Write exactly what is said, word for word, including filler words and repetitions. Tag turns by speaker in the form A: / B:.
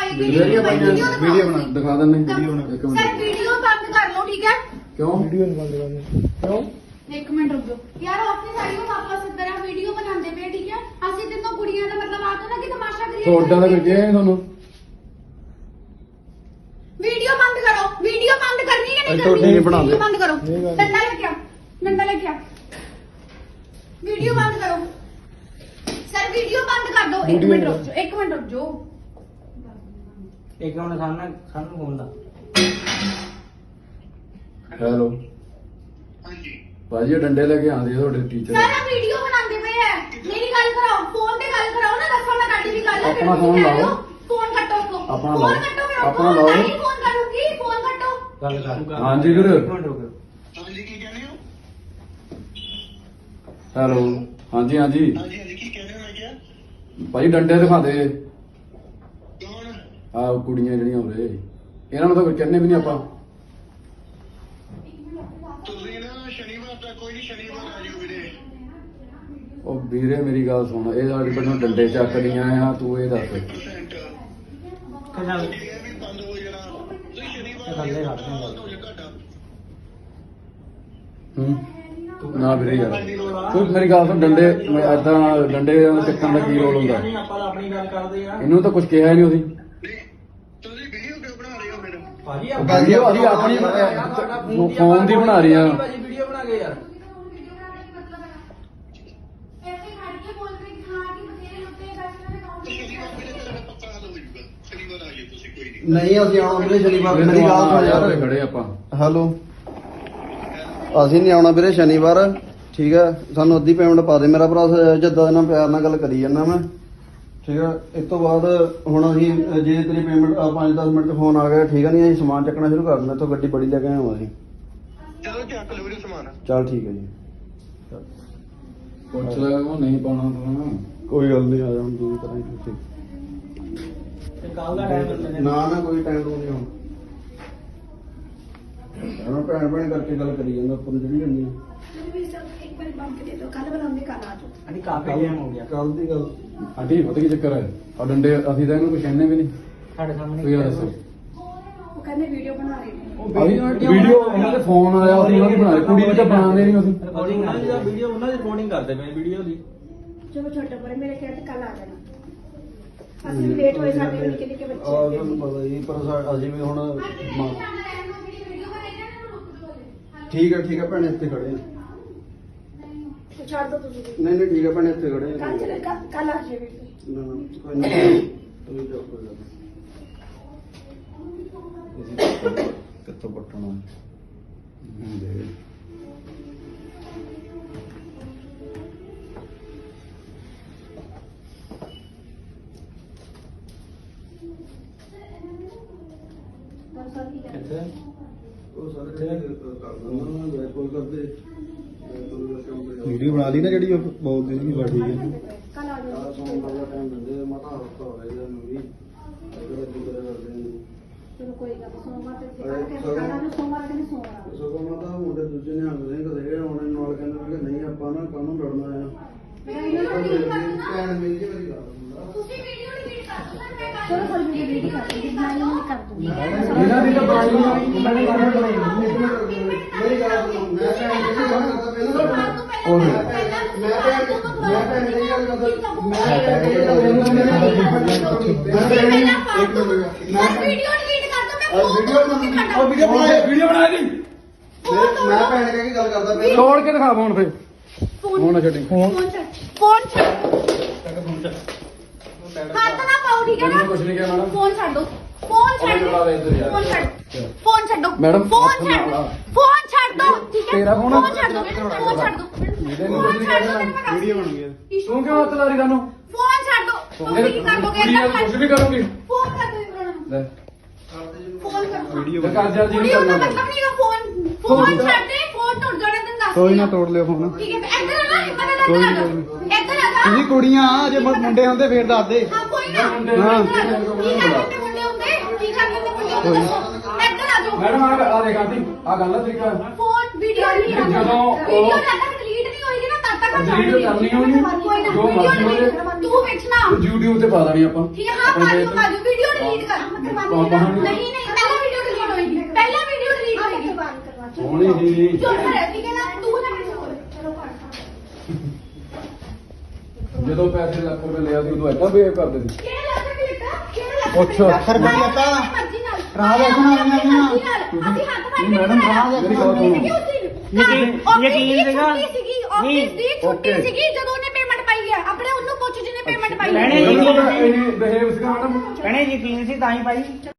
A: Video video बना दिखा देने वीडियो बना एक
B: सर वीडियो बंद कर लो ठीक है
A: क्यों वीडियो नहीं बंद करनी क्यों
B: एक मिनट रुक जाओ यार अपनी साड़ी को वापस इधर वीडियो बनाते पे ठीक है ਅਸੀਂ ਤਿੰਨੋਂ ਕੁੜੀਆਂ ਦਾ ਮਤਲਬ ਆ ਤਾਂ ਨਾ ਕਿ ਤਮਾਸ਼ਾ ਕਰੀਏ
A: ਤੁਹਾਡਾ ਤਾਂ ਕਿਹਾ ਹੈ ਤੁਹਾਨੂੰ
B: वीडियो बंद करो वीडियो बंद करनी है नहीं
A: करनी नहीं बना
B: वीडियो बंद करो डंडा लेके आ डंडा लेके आ वीडियो बंद करो सर वीडियो बंद कर दो एक मिनट रुक जाओ एक मिनट रुक जाओ
C: एक मिनट सामने सामने फोन दा
A: हेलो
D: हाँ जी
A: भाजी डंडे लेके आंदे ਤੁਹਾਡੇ ਟੀਚਰ
B: सर हम वीडियो बनाते पे है मेरी गल कराओ फोन पे गल कराओ ना दसो मैं काटी दी गल
A: अपना फोन लाओ
B: फोन कटो उसको
A: अपना
B: फोन
A: लाओ
B: कटो मेरा
A: अपना
B: फोन
A: लाओ
B: नहीं फोन करूंगी फोन कटो
C: गल कर
A: हाँ जी गुरु
C: एक मिनट रुक
D: हाँ जी की कह रहे हो
A: ਹੈਲੋ ਹਾਂਜੀ ਹਾਂਜੀ
D: हाँ जी हाँ जी की कह रहे हो मैं क्या
A: ਭਾਜੀ ਡੰਡੇ ਦਿਖਾ ਦੇ
D: कौन
A: ਆ ਕੁੜੀਆਂ ਜਿਹੜੀਆਂ ਉਰੇ ਇਹਨਾਂ ਨੂੰ ਤਾਂ ਕੋਈ ਕਹਿੰਨੇ ਵੀ ਨਹੀਂ ਆਪਾਂ
D: ਤੁਸੀਂ ਨਾ ਸ਼ਨੀਵਾਰ ਤੱਕ ਕੋਈ ਨਹੀਂ ਸ਼ਨੀਵਾਰ ਆ ਜਿਓ ਵੀਰੇ
A: ਉਹ ਵੀਰੇ ਮੇਰੀ ਗੱਲ ਸੁਣ ਇਹ ਸਾਡੇ ਪਿੰਡੋਂ ਡੰਡੇ ਚੱਕਦੀਆਂ ਆ ਤੂੰ ਇਹ ਦੱਸ
D: परसेंट
C: चल
D: ਇਹ ਵੀ ਬੰਦ ਹੋ ਜਾਣਾ ਤੁਸੀਂ ਸ਼ਨੀਵਾਰ
C: ਥੱਲੇ ਰੱਖ ਦੇ
D: ਬੰਦ ਹੋ ਜਾ ਤੁਹਾਡਾ
A: ਹੂੰ ਨਾ ਵੀਰੇ ਯਾਰ ਤੂੰ ਮੇਰੀ ਗੱਲ ਸੁਣ ਡੰਡੇ ਏਦਾਂ ਡੰਡੇ ਚੱਕਣ ਦਾ ਕੀ ਰੋਲ ਹੁੰਦਾ
C: ਨਹੀਂ ਆਪਾਂ ਤਾਂ ਆਪਣੀ ਗੱਲ ਕਰਦੇ ਆ
A: ਇਹਨੂੰ ਤਾਂ ਕੁਝ ਕਿਹਾ ਨਹੀਂ ਉਹਦੀ
D: ਨਹੀਂ ਤੁਸੀਂ ਵੀਡੀਓ ਕਿਉਂ ਬਣਾ ਰਹੇ ਹੋ ਫਿਰ
C: ਭਾਜੀ
A: ਵੀਡੀਓ ਅਸੀਂ ਆਪਣੀ ਫੋਨ ਦੀ ਬਣਾ ਰਹੀ ਆ
C: ਭਾਜੀ ਵੀਡੀਓ ਬਣਾ ਕੇ ਯਾਰ
B: ऐसे खड़ के बोल रहे कि हां कि बतेरे होते हैं बैठने में काउंट
D: ਸ਼ਨੀਵਾਰ ਵੀਰੇ ਤੇਰਾ ਪੱਕਾ ਹੱਲ ਹੋ ਜਾਊਗਾ ਸ਼ਨੀਵਾਰ ਆ ਜਿਓ ਤੁਸੀਂ ਕੋਈ ਨਹੀਂ
E: ਨਹੀਂ ਅਸੀਂ ਆਉਣਾ ਵੀਰੇ ਸ਼ਨੀਵਾਰ
A: ਵੀਰੇ
E: ਮੇਰੀ ਗੱਲ ਸੁਣ
A: ਯਾਰ
E: ਯਾਰ
A: ਖੜੇ ਆਪਾਂ
E: ਹੈਲੋ ਅਸੀਂ ਨਹੀਂ ਆਉਣਾ ਵੀਰੇ ਸ਼ਨੀਵਾਰ ਠੀਕ ਹੈ ਸਾਨੂੰ ਅੱਧੀ ਪੇਮੈਂਟ ਪਾ ਦੇ ਮੇਰਾ ਭਰਾ ਜਿੱਦਾਂ ਇਹਨਾਂ ਪਿਆਰ ਨਾਲ ਗੱਲ ਕਰੀ ਜਾਂਦਾ ਮੈਂ ਠੀਕ ਹੈ ਇਸ ਤੋਂ ਬਾਅਦ ਹੁਣ ਅਸੀਂ ਜੇ ਤੇਰੀ ਪੇਮੈਂਟ ਪੰਜ ਦਸ ਮਿੰਟ 'ਚ ਫੋਨ ਆ ਗਿਆ ਠੀਕ ਹੈ ਨਹੀਂ ਅਸੀਂ ਸਮਾਨ ਚੱਕਣਾ ਸ਼ੁਰੂ ਕਰ ਦਿੰਦੇ ਇੱਥੋਂ ਗੱਡੀ ਬੜੀ ਲੈ ਕੇ ਆਏ ਹਾਂ ਅਸੀਂ
D: ਚਲੋ ਚੱਕ ਲਓ ਵੀਰੇ ਸਮਾਨ
E: ਚੱਲ ਠੀਕ ਹੈ ਜੀ
A: ਪੁੱਛ ਲੈ ਉਹ ਨਹੀਂ ਪਾਉਣਾ ਤੂੰ
E: ਕੋਈ ਗੱਲ ਨਹੀਂ ਆ ਜਾ ਹੁਣ ਦੂਰੀ ਕਰਾਂਗੇ ਤੁਸੀਂ
C: ਤੇ ਕੱਲ ਦਾ ਟਾਈਮ
E: ਨਾ ਨਾ ਕੋਈ ਟਾਈਮ ਨਹੀਂ ਹੁਣ ਇਹਨਾਂ ਭੈਣ ਭੈਣ ਕਰਕੇ ਗੱਲ ਕਰੀ ਜਾਂਦਾ ਉੱਪਰ ਨੂੰ ਜਿਹੜੀ ਹੁੰਦੀ
B: एक बार बंद कर दे दो कल बनाऊंगी कल आ जाओ
C: ਅਜੀ ਕਾਫੀ ਟਾਈਮ ਹੋ ਗਿਆ
E: ਕੱਲ ਦੀ ਗੱਲ
A: ਆਂਟੀ ਪਤਾ ਕੀ ਚੱਕਰ ਹੈ ਆ ਡੰਡੇ ਅਸੀਂ ਤਾਂ ਇਹਨੂੰ ਕੁਝ ਕਹਿੰਨੇ ਵੀ ਨਹੀਂ
C: ਸਾਡੇ ਸਾਹਮਣੇ
A: ਤੂੰ ਯਾਰ ਦੱਸੋ
B: वो कहने वीडियो बना रहे हैं
A: ਵੀਡੀਓ ਇਹਨਾਂ ਦੇ ਫੋਨ ਆਇਆ ਅਸੀਂ ਉਹਨਾਂ ਦੀ ਬਣਾ ਲਈ ਕੁੜੀ ਦੀ ਤਾਂ ਬਣਾਉਂਦੇ ਨਹੀਂ ਅਸੀਂ
C: ਰਿਕਾਰਡਿੰਗ ਉਹਨਾਂ ਦੀ ਵੀਡੀਓ ਉਹਨਾਂ ਦੀ ਰਿਕਾਰਡਿੰਗ ਕਰਦੇ ਪਏ ਵੀਡੀਓ ਦੀ
B: चलो छोटे बड़े मेरे कहते कल आ जाना ਅਸੀਂ ਲੇਟ ਹੋਏ ਸਾਡੇ ਨਿੱਕੇ ਨਿੱਕੇ
E: ਆ
B: ਬੱਚੇ
E: ਤੁਹਾਨੂੰ ਪਤਾ ਜੀ ਪਰ ਸਾ- ਅਸੀਂ ਵੀ ਹੁਣ ਮ- ਠੀਕ ਹੈ ਠੀਕ ਹੈ ਭੈਣੇ ਇੱਥੇ ਖੜੇ ਹਾਂ।
B: ਛੱਡ ਦੋ ਤੁਸੀਂ
E: ਨਹੀਂ ਨਹੀਂ ਠੀਕ ਹੈ ਭੈਣੇ ਇੱਥੇ ਖੜੇ ਹਾਂ।
B: ਕੱਲ ਚਲੇ ਕੱਲ ਆ ਜਾਵੇ
E: ਨਾ ਨਾ ਕੋਈ ਨਹੀਂ ਤੁਸੀਂ ਜਾਓ ਕੋਈ ਗੱਲ ਨਹੀਂ
A: ਕਿੱਥੋਂ ਪੱਟਣਾ ਹੁੰਦੇ
C: ਕਿੱਥੇ
E: ਉਹ ਸਾਰੇ ਜਿਹੜੇ ਕਰ ਦਿੰਦਾ ਮੈਂ ਕੋਈ ਕਰਦੇ
F: ਵੀਡੀਓ ਬਣਾ ਲਈ ਨਾ ਜਿਹੜੀ ਉਹ ਬੋਲਦੀ ਸੀ ਬਾ ਠੀਕ ਹੈ
B: ਕੱਲ ਆ ਜਾਓ
E: ਆ ਸੌਣ ਦਾ ਟਾਈਮ ਦਿੰਦੇ ਮਾਤਾ ਹਫਤਾ ਹੋ ਗਿਆ ਇਹਨੂੰ ਵੀ ਅਗਰ ਅੱਗੇ ਕਰੇ ਕਰਦੇ ਨੇ
B: ਚਲੋ ਕੋਈ ਗੱਲ ਨੀ, ਸੋਮਵਾਰ ਤੇ ਸਿੱਖਾਂਗੇ ਕੱਲ ਨੂੰ ਸੋਮਵਾਰ ਤੇ ਨਹੀਂ ਸੋਮਵਾਰ
E: ਸਗੋਂ ਮਾਤਾ ਮੁੰਡੇ ਦੂਜੇ ਨੇ ਹੰਗ ਨਹੀਂ ਕਦੇ ਹੁਣ ਨਾਲ ਕਹਿੰਦੇ ਕਿ ਨਹੀਂ ਆਪਾਂ ਨਾ ਕਾਹਨੂੰ ਲੜਨਾ ਆ ਭੈਣ ਮੇਰੀ ਜੀ ਮੇਰੀ ਗੱਲ ਸੁਣਦਾ
B: ਤੁਸੀਂ ਵੀਡੀਓ ਡਿਲੀਟ ਕਰ ਦਿਓ ਸਰ ਮੈਂ ਚਲੋ ਕੋਈ ਵੀਡੀਓ ਡਿਲੀਟ ਕਰ ਦੂੰਗੀ ਮੈਂ ਨਹੀਂ ਕਰ ਦੂੰਗੀ
A: ਇਹਨਾਂ ਦੀ ਤਾਂ ਬਣਾਈ ਨਹੀਂ ਉਹਨਾਂ ਨੇ ਕਰਨਾ ਬਣਾਈ
E: ਮੇਰੀ ਗੱਲ ਸੁਣੋ ਮੈਂ ਭੈਣ ਦੀ ਗੱਲ ਕਰਦਾ ਪਹਿਲਾਂ
A: ਉਹ
E: ਮੈਂ ਭੈਣ ਮੈਂ ਭੈਣ ਦੀ ਗੱਲ ਕਰਦਾ ਮੈਂ ਭੈਣ ਦੀ ਗੱਲ ਕਰਦਾ ਮੈਂ ਭੈਣ ਦੀ ਇੱਕ ਮਿੰਟ ਮੈਂ
B: ਵੀਡੀਓ ਡਿਲੀਟ ਕਰ ਦੋ ਮੈਂ
E: ਵੀਡੀਓ ਬਣਾ
A: ਉਹ ਵੀਡੀਓ ਬਣਾਈ ਵੀਡੀਓ ਬਣਾ ਦੀ
E: ਮੈਂ ਭੈਣ ਕਹਿ ਕੇ ਗੱਲ ਕਰਦਾ ਪਹਿਲਾਂ
A: ਤੋੜ ਕੇ ਦਿਖਾ ਫੋਨ ਫੇ ਫੋਨ ਨਾ ਛੱਡੀ
B: ਫੋਨ ਛੱਡ ਫੋਨ ਛੱਡ ਹੱਥ ਨਾ ਪਾਓ ਠੀਕ ਹੈ
A: ਮੈਨੂੰ
B: ਨਾ
A: ਕੁਝ ਨਹੀਂ ਕਿਹਾ ਮੈਡਮ
B: ਫੋਨ ਛੱਡ ਦੋ ਫੋਨ ਛੱਡ
A: ਬੁਲਾ ਦੇ ਇੱਧਰ ਯਾਰ।
B: ਫੋਨ ਛੱਡ ਫੋਨ ਛੱਡੋ
A: ਮੈਡਮ,
B: ਫੋਨ
A: ਹੱਥ ਨਾ
B: ਛੱਡ
A: ਲਾ।
B: ਫੋਨ ਛੱਡ ਦੋ ਠੀਕ ਹੈ
A: ਤੇਰਾ ਫੋਨ ਆ?
B: ਫੋਨ ਛੱਡ ਦੋ ਫੋਨ ਛੱਡ ਦੋ
A: ਇਹਦੇ ਨੂੰ
B: ਫੋਨ
A: ਕੁਝ ਨਹੀਂ
B: ਛੱਡ
A: ਕਹਿਣਾ।
B: ਦੋ
F: ਵੀਡੀਓ ਬਣ ਗਈ
A: ਤੂੰ ਕਿਉਂ ਹੱਥ ਲਾ ਰਹੀ ਤੁਹਾਨੂੰ
B: ਫੋਨ ਛੱਡ ਦੋ ਤੁਸੀਂ ਕੀ ਕਰ ਦੋਗੇ ਏਦਾਂ
A: ਕੁਝ ਵੀ ਕਰੋਗੇ
B: ਫੋਨ ਕਰ ਦੋ ਇਹਨਾਂ ਨੂੰ
A: ਲੈ
B: ਫੋਨ ਕਰ
F: ਵੀਡੀਓ
A: ਤੇ ਕਰ ਜਲਦੀ
B: ਵੀਡੀਓ
A: ਕਰਨਾ
B: ਦਾ ਮਤਲਬ ਨਹੀਂ ਹੈ ਫੋਨ ਫੋਨ ਛੱਡ ਦੇ ਫੋਨ ਟੁੱਟ ਜਾਣਾ ਤੈਨੂੰ ਦੱਸ
F: ਕੋਈ ਨਾ ਤੋੜ ਲਿਓ ਫੋਨ
B: ਠੀਕ ਹੈ ਇੱਧਰ ਆ ਨਾ ਇੱਧਰ ਆ ਇੱਧਰ ਆ ਜਾਓ। ਇੱਧਰ ਆ ਜਾ
F: ਤੁਸੀਂ ਕੁੜੀਆਂ ਆ, ਜੇ ਮੁੰਡੇ ਹੁੰਦੇ ਫੇਰ ਦੱਸ ਦੇ
B: ਹਾਂ ਕੋਈ ਨਾ
F: ਹਾਂ।
B: ਕੀ ਕਰਦੇ ਮੁੰਡੇ ਹੁੰਦੇ ਕੀ ਕਰਦੇ ਮੁੰਡੇ ਹੁੰਦੇ ਇੱਧਰ ਆ ਜਾਓ
A: ਮੈਡਮ ਆ ਆ ਦੇਖ ਆਂਟੀ ਆ ਗੱਲ ਆ ਤਰੀਕਾ
B: ਫੋਨ ਵੀਡੀਓ ਨਹੀਂ ਆ
A: ਜਦੋਂ ਉਹ-
B: ਵੀਡੀਓ ਜਦ ਤੱਕ ਡਿਲੀਟ ਨਹੀਂ ਹੋਏਗੀ ਨਾ ਤਦ ਤੱਕ
A: Delete ਕਰਨੀ ਹੋਣੀ,
B: ਕੋਈ ਨਾ
A: ਜੋ
B: ਵੀਡੀਓ
A: ਮਰਜ਼ੀ ਹੋਵੇ।
B: delete- ਤੂੰ ਵੇਚਣਾ
A: YouTube ਤੇ ਪਾ ਦੇਣੀ ਆਪਾਂ
B: ਠੀਕ ਹੈ ਹਾਂ ਪਾ ਦਿਓ ਪਾ ਦਿਓ ਵੀਡੀਓ ਡਿਲੀਟ ਕਰ
A: ਪਾਪਾ ਨੂੰ-
B: ਨਹੀਂ ਨਹੀਂ ਪਹਿਲਾਂ ਵੀਡੀਓ ਡਿਲੀਟ ਹੋਏਗੀ ਪਹਿਲਾਂ ਵੀਡੀਓ ਡਿਲੀਟ ਹੋਏਗੀ
A: ਹੋਣੀ ਹੀ
B: ਚੁੱਪ ਰਹਿ ਠੀਕ ਹੈ ਨਾ ਤੂੰ ਨਾ ਮੈਨੂੰ ਬੋਲ ਚਲੋ
A: ਜਦੋਂ ਪੈਸੇ ਲੱਖ ਰੁਪਏ ਲਿਆ ਸੀ ਉਦੋਂ ਏਦਾਂ ਬਿਹੇਵ ਕਰਦੇ ਸੀ
B: ਕਿਹੜਾ ਲੱਖ ਰੁਪਏ ਲਿੱਤਾ ਕਿਹੜਾ ਲੱਖ
A: ਅੱਛਾ,
B: ਰੁਪਏ
F: ਸਰ ਵਧੀਆ ਤਾਂ
B: ਮਰਜ਼ੀ ਨਾਲ
F: ਰਾਹ ਦੇਖਣਾ ਨਹੀਂ ਆਉਣਾ।
B: ਅਸੀਂ ਹੱਥ ਮਾਰ
F: ਨਹੀਂ ਮੈਡਮ, ਰਾਹ
A: ਮੇਰੀ ਗੱਲ ਸੁਣੋ।
C: ਯਕੀਨ- ਯਕੀਨ ਸੀਗਾ?
B: ਸੀਗੀ
C: ਨਹੀਂ।
B: ਆਫਿਸ ਦੀ ਛੁੱਟੀ
A: Okay.
B: ਸੀਗੀ ਜਦੋਂ ਉਹਨੇ ਪੇਮੈਂਟ ਪਾਈ ਹੈ ਆਪਣੇ ਉਹਨੂੰ ਪੁੱਛ ਜਿਹਨੇ ਪੇਮੈਂਟ ਪਾਈ ਹੈ
C: ਭੈਣੇ,
A: ਇਹ ਬਿਹੇਵ ਸੀਗਾ ਮੈਡਮ
C: ਭੈਣੇ ਯਕੀਨ ਸੀ ਤਾਂ ਹੀ ਭਾਈ